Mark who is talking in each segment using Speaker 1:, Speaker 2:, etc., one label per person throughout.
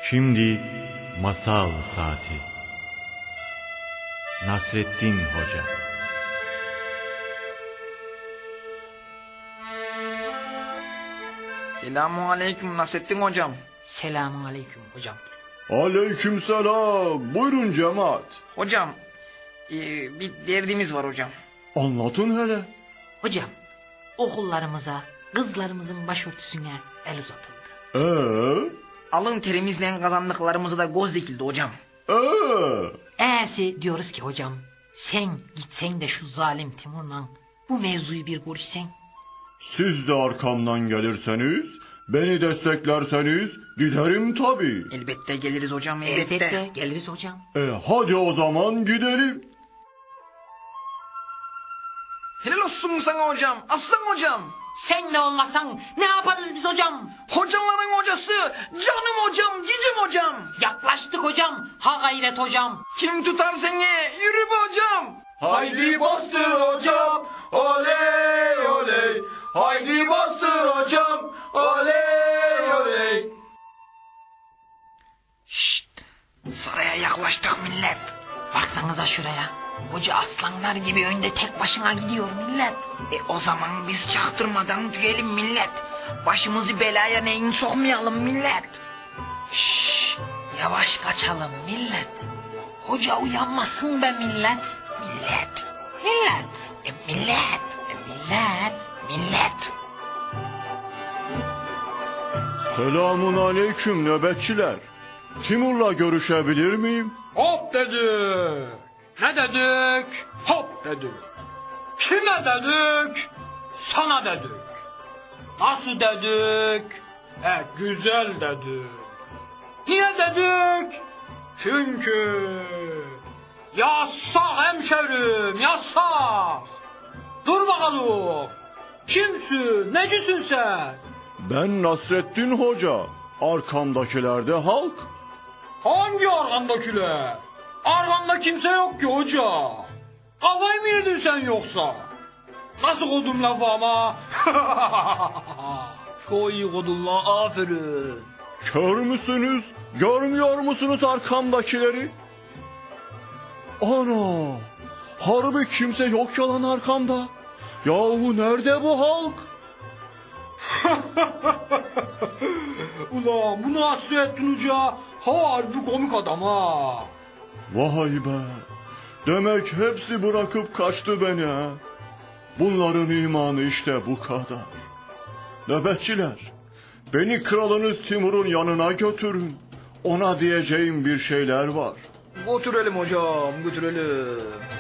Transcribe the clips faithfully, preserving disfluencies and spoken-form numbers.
Speaker 1: Şimdi masal saati. Nasrettin Hoca.
Speaker 2: Selamun aleyküm Nasrettin hocam.
Speaker 3: Selamun aleyküm hocam.
Speaker 4: Aleykümselam. Buyurun cemaat.
Speaker 2: Hocam ee, bir derdimiz var hocam.
Speaker 4: Anlatın hele.
Speaker 3: Hocam okullarımıza kızlarımızın başörtüsüne el uzatıldı.
Speaker 4: Ee?
Speaker 2: Alın terimizle kazandıklarımızı da göz dikildi hocam.
Speaker 4: Ee?
Speaker 3: E'si diyoruz ki hocam sen gitsen de şu zalim Timur'la bu mevzuyu bir görüşsen.
Speaker 4: Siz de arkamdan gelirseniz, beni desteklerseniz giderim tabii.
Speaker 2: Elbette geliriz hocam elbette.
Speaker 3: Elbette geliriz hocam.
Speaker 4: E hadi o zaman gidelim.
Speaker 2: Helal olsun sana hocam, aslan hocam.
Speaker 3: Sen de olmasan ne yaparız biz hocam?
Speaker 2: Hocaların hocası, canım hocam, cicim hocam.
Speaker 3: Yaklaştık hocam, ha gayret hocam.
Speaker 2: Kim tutar seni, yürü be hocam.
Speaker 4: Haydi bastır hocam, oley oley. Haydi bastır hocam, oley oley.
Speaker 2: Şşt, saraya yaklaştık millet.
Speaker 3: Baksanıza şuraya. Hoca aslanlar gibi önde tek başına gidiyor millet.
Speaker 2: E o zaman biz çaktırmadan tüyelim millet. Başımızı belaya neyin sokmayalım millet.
Speaker 3: Şşş, yavaş kaçalım millet. Hoca uyanmasın be millet.
Speaker 2: Millet,
Speaker 3: Millet.
Speaker 2: e millet,
Speaker 3: E, millet.
Speaker 2: millet.
Speaker 4: Selamun aleyküm nöbetçiler. Timur'la görüşebilir miyim?
Speaker 5: Hop dedik. Ne dedik? Hop dedik. Kime dedik? Sana dedik. Nasıl dedik? E güzel dedik. Niye dedik? Çünkü yasak hemşerim yasak. Dur bakalım. Kimsin? Necisin sen?
Speaker 4: Ben Nasrettin Hoca. Arkamdakiler de halk.
Speaker 5: Hangi arkandakiler? Arkanda kimse yok ki hoca. Kafayı mı yedin sen yoksa? Nasıl kodum lafı ama? Çok iyi kodun lan, aferin.
Speaker 4: Kör müsünüz? Görmüyor musunuz arkamdakileri? Ana! Harbi kimse yok yalan arkamda. Yahu nerede bu halk?
Speaker 5: Ulan bu Nasrettin Hoca harbi komik adam ha.
Speaker 4: Vay be! Demek hepsi bırakıp kaçtı beni ha. Bunların imanı işte bu kadar. Nöbetçiler, beni kralınız Timur'un yanına götürün. Ona diyeceğim bir şeyler var.
Speaker 2: Götürelim hocam, götürelim.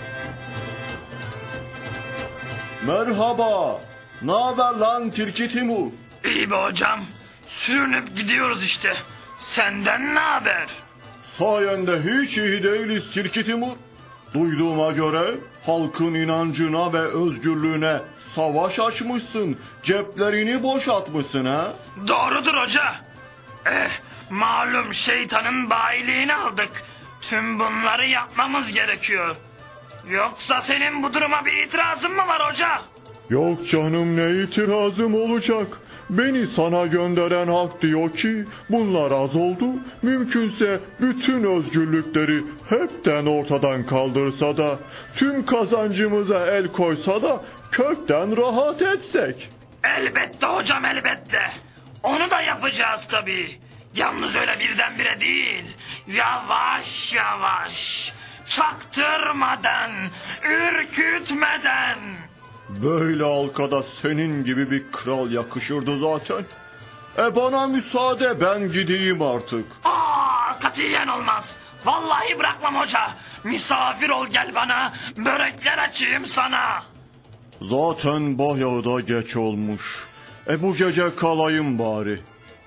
Speaker 4: Merhaba. Ne haber lan Tilki Timur?
Speaker 6: İyi be hocam. Sürünüp gidiyoruz işte. Senden ne haber?
Speaker 4: Sayende hiç iyi değiliz Tilki Timur. Duyduğuma göre halkın inancına ve özgürlüğüne savaş açmışsın. Ceplerini boşaltmışsın ha?
Speaker 6: Doğrudur hoca. Eh, malum şeytanın bayiliğini aldık. Tüm bunları yapmamız gerekiyor. Yoksa senin bu duruma bir itirazın mı var hoca?
Speaker 4: Yok canım, ne itirazım olacak? Beni sana gönderen halk diyor ki bunlar az oldu. Mümkünse bütün özgürlükleri hepten ortadan kaldırsa da tüm kazancımıza el koysa da kökten rahat etsek.
Speaker 6: Elbette hocam elbette. Onu da yapacağız tabii. Yalnız öyle birdenbire değil. Yavaş yavaş. Çaktırmadan, ürkütmeden.
Speaker 4: Böyle halkada senin gibi bir kral yakışırdı zaten. E bana müsaade, ben gideyim artık.
Speaker 6: Aa, katiyen olmaz. Vallahi bırakmam hoca. Misafir ol gel bana. Börekler açayım sana.
Speaker 4: Zaten bayağı da geç olmuş. E bu gece kalayım bari.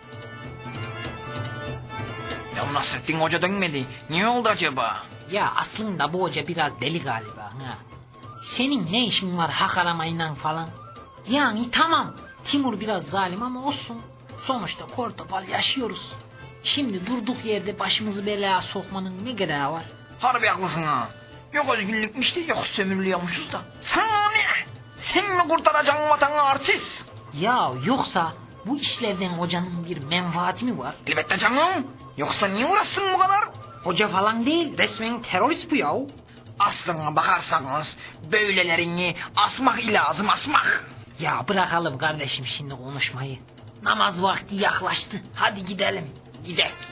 Speaker 2: Ya Nasrettin hoca dönmedi. Niye oldu acaba?
Speaker 3: Ya aslında bu hoca biraz deli galiba. Ha. Senin ne işin var hak aramayla falan? Yani tamam Timur biraz zalim ama olsun. Sonuçta kor topal yaşıyoruz. Şimdi durduk yerde başımızı belaya sokmanın ne gereği var?
Speaker 2: Harbi haklısın ha. Yok özgürlükmüş de yok sömürülüyormuşuz da. Sana ne? Sen mi kurtaracaksın vatanı artist?
Speaker 3: Ya yoksa bu işlerden hocanın bir menfaati mi var?
Speaker 2: Elbette canım. Yoksa niye uğraşsın bu kadar?
Speaker 3: Hoca falan değil, resmen terörist bu yahu.
Speaker 2: Aslına bakarsanız böylelerini asmak lazım, asmak.
Speaker 3: Ya bırakalım kardeşim şimdi konuşmayı. Namaz vakti yaklaştı. Hadi gidelim.
Speaker 2: Gidek.